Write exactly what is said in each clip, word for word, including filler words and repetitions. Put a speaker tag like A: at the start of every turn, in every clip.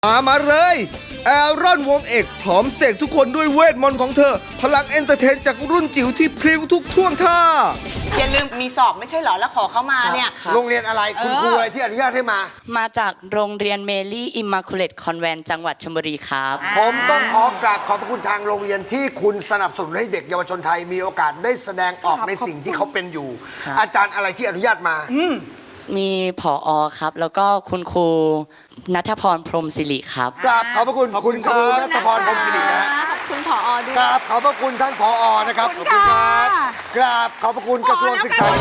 A: มามาเลยแอรอนวงเอกพร้อมเสกทุกคนด้วยเวทมนต์ของเธอพลังเอนเตอร์เทนจากรุ่นจิ๋วที่พลิ้วทุกท่วงท่า
B: อย่าลืมมีสอบไม่ใช่เหรอแล้วขอเข้ามาเนี่ย
C: โรงเรียนอะไรคุณครูอะไรที่อนุญาตให้มา
D: มาจากโรงเรียนเมลี่อิมมาคูเลตคอนแวนต์จังหวัดชลบุรีครับ
C: ผมต้องขอกราบขอบพระคุณทางโรงเรียนที่คุณสนับสนุนให้เด็กเยาวชนไทยมีโอกาสได้แสดงออกในสิ่งที่เขาเป็นอยู่อาจารย์อะไรที่อนุญาตมา
D: มีผอ.ครับแล้วก็คุณครูณัฐพรพรหมศิริครับ
C: กราบขอบพระคุณคุณครูณัฐพรพรหมศิรินะ
B: ขอบคุณผอ.ด้วย
C: กราบขอบพระคุณท่านผอ.นะครับขอบคุณครับกราบขอบพระคุณกระทรวงศึกษา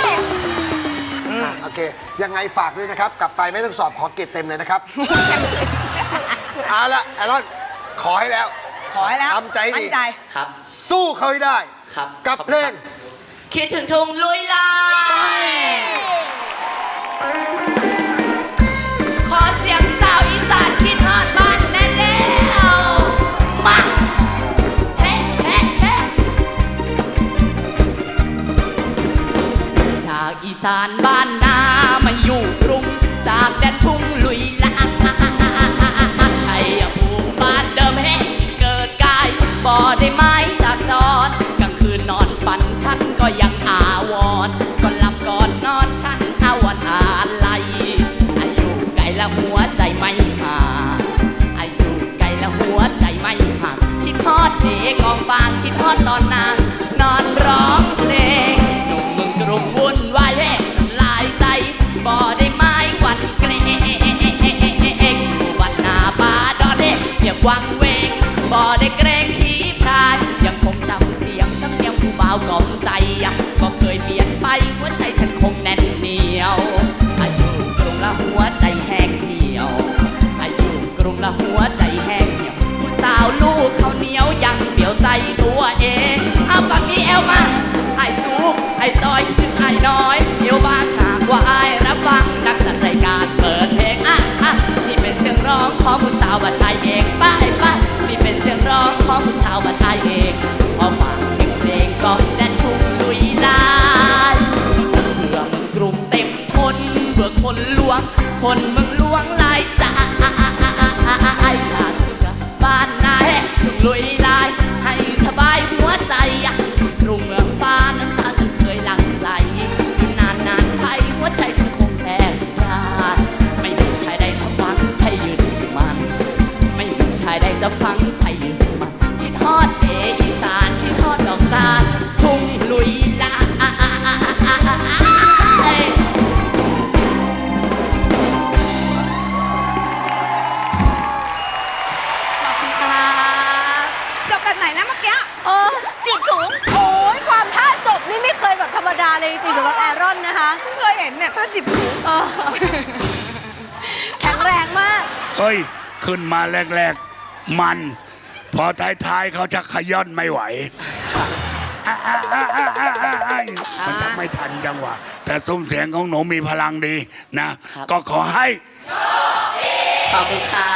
C: โอเคยังไงฝากด้วยนะครับกลับไปไม่ต้องสอบขอเกรดเต็มเลยนะครับเอาละไอรอนขอให้แล้ว
B: ขอให้แล้ว
C: ทำใจดี
D: ครับ
C: สู้เขาให้ได้
D: ครับ
C: กับเพลง
D: คิดถึงทุ่งลุยลายขอเสียงสาวอีสานคิดฮอดบ้านแน่แล้วมาเฮ้เฮ้เฮ้จากอีสานบ้านนามาอยู่กรุงจากแดนทุ่งลุยลายชัยภูมิบ้านเดิมเฮ้เกิดกายบ่ได้ไม้จากจรกลางคืนนอนฝันฉันก็ยังอาวรก่อนหลับก่อนนอนฉันอาวรอะไรอายุไกลและหัวใจไม่ห่างอายุไกลและหัวใจไม่ห่างคิดฮอดเด็กกองฟางคิดฮอดตอนนางนอนร้องเพลงหนุ่มเมืองกรุงวุ่นวายเฮ้ลายใจบ่ได้ไม้หวั่นเกรงวันนาป่าดอนเฮ้เรียกวังเวงบ่ได้เกรงขี้พรายยังคงจำเสียงสำเนียงผู้บ่าวกล่อมใจก็เคยเปลี่ยนไปหัวใจฉันคงแน่นเหนียวอายุกรุงละหัวใจแห้งเหี่ยวอายุกรุงละหัวใจแห้งเหี่ยวผู้สาวลูกเขาเหนียวยังเดี่ยวใจตัวเองเอาฝั่งนี้เอวมาไอ้สูงไอ้จอยขึ้นไอ้น้อยเอวบางหากว่าไอ้รับฟังนักจัดรายการเปิดเพลงอ่ะอ่ะนี่เป็นเสียงร้องของผู้สาวบัดไอเองป้าไอ้ป้านี่เป็นเสียงร้องของผู้สาวบัดไอเองขอฝากเสียงเพลงก่อนแดนทุ่งลุยลายเพื่อเมืองกรุงเต็มทนเพื่อคนลวงคนเมืองลวงลายจ่าอยากจะบ้านนายทุ่งลุยลายให้สบายหัวใจกรุงเมืองฟ้าน้ำตาฉันเคยหลั่งไหลนานนานไปหัวใจฉันคงแพ้ยาไม่มีชายใดจะฟังใจยืนมันไม่มีชายใดจะฟังใจยืนมันคิดฮอดเออีสานคิดฮอดดอกจานทุ่งลุยลาย
B: จบแบบไหนนะเมื่อกี้
E: เออ
B: จีบสูง
E: โอ้ยความท่าจบนี่ไม่เคยแบบธรรมดาเลยจริงๆสำหรับแอรอนนะคะ
B: เพิ่งเคยเห็นเนี่ยถ้าจีบสูง
E: แข็งแรงมาก
F: เฮ้ยขึ้นมาแรกๆมันพอท้ายๆเขาจะขย่อนไม่ไหวมันจะไม่ทันจังหวะแต่ซุ้มเสียงของหนูมีพลังดีนะก็ขอให้
D: ขอบคุณค่ะ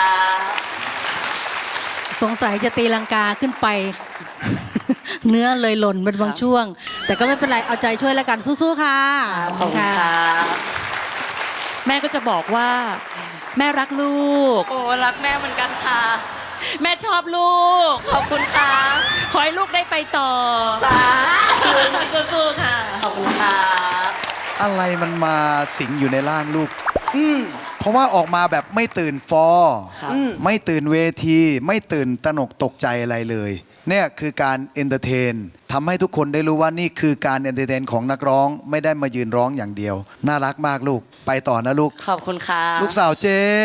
E: สงสัยจะตีลังกาขึ้นไป เนื้อเลยหล่นเป็นบางช่วงแต่ก็ไม่เป็นไรเอาใจช่วยแล้วกันสู้ๆค่ะ
D: ขอบคุณค่ะ
E: แม่ก็จะบอกว่าแม่รักลูก
D: โอ้รักแม่เหมือนกันค่ะ
E: แม่ชอบลูก
D: ขอบคุณค่ะ
E: ขอให้ลูกได้ไปต่อ
D: สาธุ
E: สู้ๆค่ะ
D: ขอบคุณค่ะ
G: อะไรมันมาสิงอยู่ในร่างลูกอืมเพราะว่าออกมาแบบไม่ตื่นฟอไม่ตื่นเวทีไม่ตื่นตระหนกตกใจอะไรเลยเนี่ยคือการเอนเตอร์เทนทำให้ทุกคนได้รู้ว่านี่คือการเอนเตอร์เทนของนักร้องไม่ได้มายืนร้องอย่างเดียวน่ารักมากลูกไปต่อนะลูก
D: ขอบคุณค่ะ
G: ลูกสาวเจ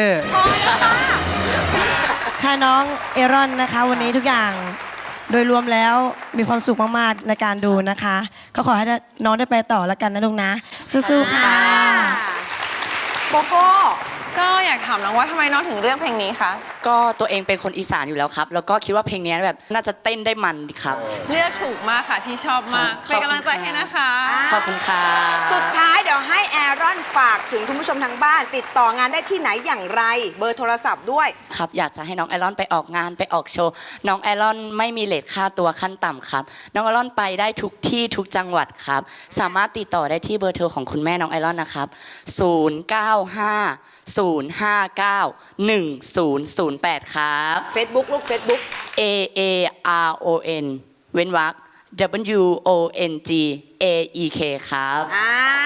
H: ค่ะน้องเอรอนนะคะวันนี้ทุกอย่างโดยรวมแล้วมีความสุขมากๆในการดูนะคะก็ขอให้น้องได้ไปต่อแล้วกันนะลูกนะสู้ๆค่ะ
B: โกโก้
I: ก็อยากถามน้องว่าทำไมน้องถึงเลือกเพลงนี้คะ
D: ก็ตัวเองเป็นคนอีสานอยู่แล้วครับแล้วก็คิดว่าเพลงนี้แบบน่าจะเต้นได้มันดีครับ
I: เลือกถูกมากค่ะพี่ชอบมากเป็นกำลังใจให้นะคะ
D: ขอบคุณค่ะ
B: สุดท้ายเดี๋ยวให้แอรอนฝากถึงคุณผู้ชมทางบ้านติดต่องานได้ที่ไหนอย่างไรเบอร์โทรศัพท์ด้วย
D: ครับอยากจะให้น้องแอรอนไปออกงานไปออกโชว์น้องแอรอนไม่มีเรทค่าตัวขั้นต่ำครับน้องแอรอนไปได้ทุกที่ทุกจังหวัดครับสามารถติดต่อได้ที่เบอร์โทรของคุณแม่น้องแอรอนนะครับศูนย์ เก้า ห้า ศูศูนย์ ห้า เก้า หนึ่ง ศูนย์ ศูนย์ แปดครับ
B: Facebook ลูก Facebook
D: A A R O N เว้นวรรค W O N G A E K ครับ
B: อ่า